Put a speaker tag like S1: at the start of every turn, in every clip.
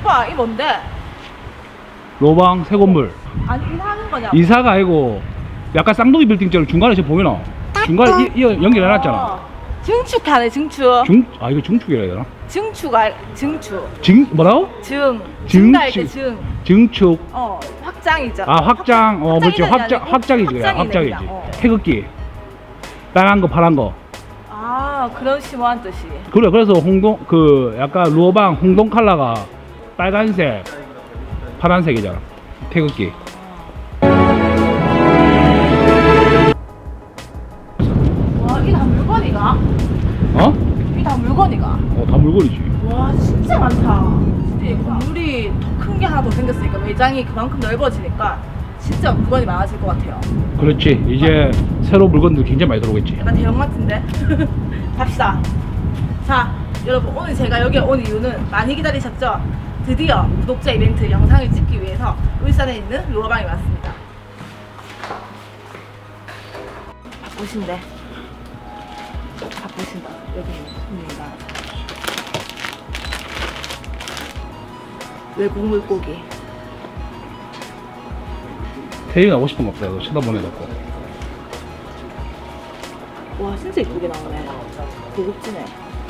S1: 오빠 이 뭔데?
S2: 로방 새 건물.
S1: 아니 이사하는 거냐고.
S2: 이사가 아니고 약간 쌍둥이 빌딩처럼 중간에 지금 보이나? 중간에 연결해놨잖아.
S1: 증축하네 증축.
S2: 이거 중축이라 해야 되나?
S1: 증축.
S2: 뭐라고?
S1: 증가할 때 증.
S2: 증축.
S1: 확장이죠.
S2: 확장. 그렇지. 확장이지. 그래. 확장이지. 태극기. 빨간 거, 파란 거.
S1: 그런 심오한 뜻이.
S2: 그래. 그래서 약간 루어방 홍동 컬러가 빨간색, 파란색이잖아. 태극기.
S1: 와, 이게 다 물건이가? 이게 다 물건이가?
S2: 다 물건이지.
S1: 와, 진짜 많다. 진짜 이 건물이 더 큰 게 하나 더 생겼으니까 매장이 그만큼 넓어지니까 진짜 물건이 많아질 것 같아요.
S2: 그렇지. 이제 새로 물건들 굉장히 많이 들어오겠지.
S1: 약간 대형마트인데? 갑시다. 자, 여러분 오늘 제가 여기 온 이유는 많이 기다리셨죠? 드디어 구독자 이벤트 영상을 찍기 위해서 울산에 있는 루어방에 왔습니다. 바쁘신데 바쁘신다. 여기 손님이다. 외국 물고기.
S2: 태희가 하고 싶은 거 없어요. 쳐다보내놓고.
S1: 와, 진짜 이쁘게 나오네. 고급지네.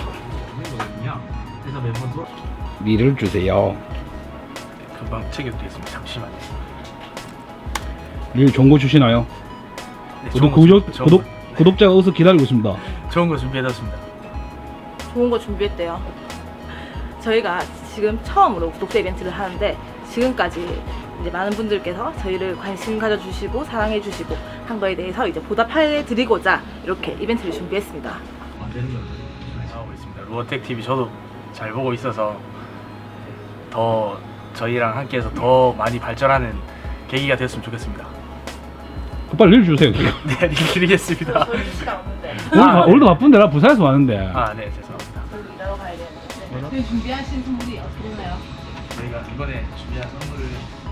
S3: 그래서 매번 또
S2: 미를 주세요.
S3: 금방 챙겨드리겠습니다. 잠시만요.
S2: 릴 좋은 거 주시나요?
S3: 네,
S2: 구독자가 어서 기다리고 있습니다.
S3: 좋은 거 준비해뒀습니다.
S1: 좋은 거 준비했대요. 저희가 지금 처음으로 구독자 이벤트를 하는데 지금까지 이제 많은 분들께서 저희를 관심 가져주시고 사랑해주시고 한 거에 대해서 이제 보답해드리고자 이렇게 이벤트를 준비했습니다.
S3: 하고 있습니다. 루어텍 TV 저도 잘 보고 있어서 더 저희랑 함께해서 더 많이 발전하는 계기가 됐으면 좋겠습니다.
S2: 빨리 릴 주세요.
S3: 네, 드리겠습니다.
S1: 저희 시간 없는데.
S2: 오늘도 바쁜데 나 부산에서 왔는데.
S3: 네, 죄송합니다.
S1: 저희 일하러 가야 되는데. 저희 준비하신 선물이 어떻게 되나요?
S3: 저희가 이번에 준비한 선물을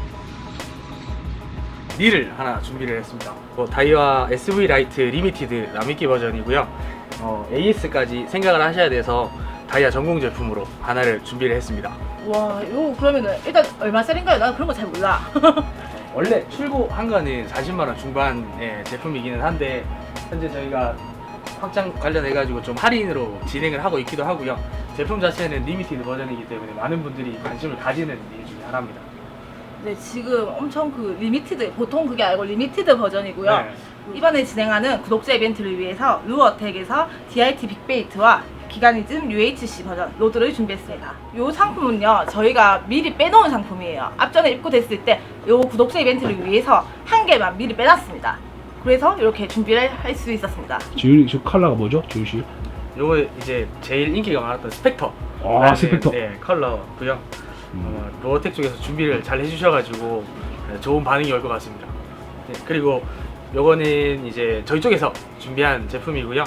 S3: 릴을 하나 준비를 했습니다. 다이와 SV 라이트 리미티드 남이끼 버전이고요. AS까지 생각을 하셔야 돼서 다이아 전공 제품으로 하나를 준비를 했습니다.
S1: 와, 이거 그러면은 일단 얼마짜린가요? 나 그런 거 잘 몰라.
S3: 원래 출고한 거는 40만 원 중반의 제품이기는 한데 현재 저희가 확장 관련해가지고 좀 할인으로 진행을 하고 있기도 하고요. 제품 자체는 리미티드 버전이기 때문에 많은 분들이 관심을 가지는 일 중에 하나입니다.
S1: 네, 지금 엄청 리미티드, 보통 그게 아니고 리미티드 버전이고요.
S3: 네.
S1: 이번에 진행하는 구독자 이벤트를 위해서 루어텍에서 DRT 빅베이트와 기가니즘 UHC 버전 로드를 준비했습니다. 이 상품은요, 저희가 미리 빼놓은 상품이에요. 앞전에 입고됐을 때 이 구독자 이벤트를 위해서 한 개만 미리 빼놨습니다. 그래서 이렇게 준비를 할 수 있었습니다.
S2: 지훈이 저 컬러가 뭐죠? 지훈 씨?
S3: 요거 이제 제일 인기가 많았던 스펙터.
S2: 스펙터.
S3: 네, 컬러고요. 루어텍 쪽에서 준비를 잘 해주셔가지고 좋은 반응이 올 것 같습니다. 네, 그리고 요거는 이제 저희 쪽에서 준비한 제품이고요.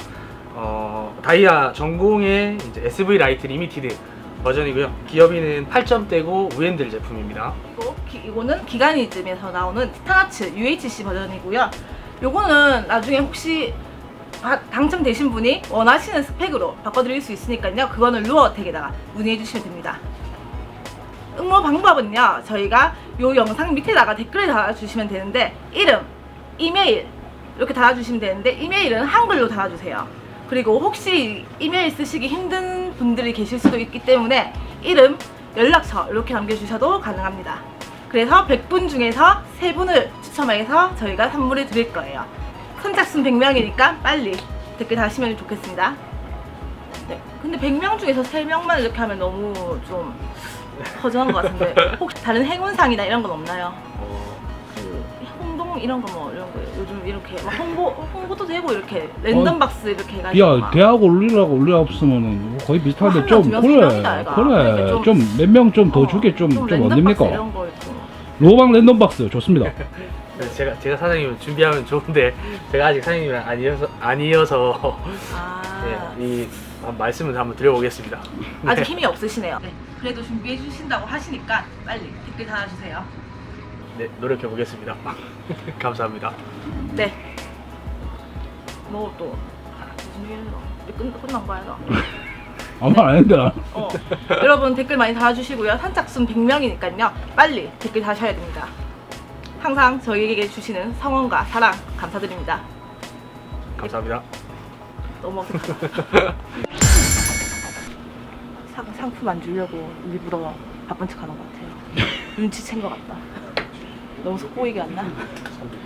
S3: 다이아 전공의 이제 SV 라이트 리미티드 버전이고요. 기어비는 8점대고 우핸들 제품입니다.
S1: 그리고 이거는 기가니즘에서 나오는 티타나츠 UHC 버전이고요. 요거는 나중에 혹시 당첨되신 분이 원하시는 스펙으로 바꿔드릴 수 있으니까요. 그거는 루어텍에다가 문의해 주시면 됩니다. 응모 방법은요, 저희가 요 영상 밑에다가 댓글을 달아주시면 되는데 이름, 이메일 이렇게 달아주시면 되는데 이메일은 한글로 달아주세요. 그리고 혹시 이메일 쓰시기 힘든 분들이 계실 수도 있기 때문에 이름, 연락처 이렇게 남겨주셔도 가능합니다. 그래서 100분 중에서 3분을 추첨해서 저희가 선물을 드릴 거예요. 선착순 100명이니까 빨리 댓글 다시면 좋겠습니다. 네, 근데 100명 중에서 3명만 이렇게 하면 너무 좀 허전한 것 같은데 혹시 다른 행운상이나 이런 건 없나요? 홍동 이런 거 뭐 이런 거 요즘 이렇게 막 홍보도 되고 이렇게 랜덤 박스 이렇게 해가지고
S2: 야,
S1: 막.
S2: 대학 올리라 없으면은 거의 비슷한데
S1: 한
S2: 좀
S1: 명, 두 명,
S2: 그래.
S1: 세 명이다, 아이가. 그러니까 좀-
S2: 좀 몇 명 좀 더 주게 좀
S1: 랜덤
S2: 어딥니까?
S1: 박스 이런 거 있고.
S2: 로방 랜덤 박스 좋습니다.
S3: 제가 사장님은 준비하면 좋은데 제가 아직 사장님은 아니어서 네, 이 말씀을 한번 드려보겠습니다.
S1: 아직
S3: 네.
S1: 힘이 없으시네요. 네, 그래도 준비해 주신다고 하시니까 빨리 댓글 달아주세요.
S3: 네, 노력해 보겠습니다. 감사합니다.
S1: 네. 뭐 또 무슨 일이야? 끝난 거야 너?
S2: 아무 안 했다.
S1: 여러분 댓글 많이 달아주시고요. 선착순 100명이니까요. 빨리 댓글 다셔야 됩니다. 항상 저희에게 주시는 성원과 사랑 감사드립니다.
S3: 감사합니다.
S1: 너무 어색하다. 상품 안 주려고 일부러 바쁜 척 하는 것 같아요. 눈치챈 것 같다. 너무 속보이게 안 나?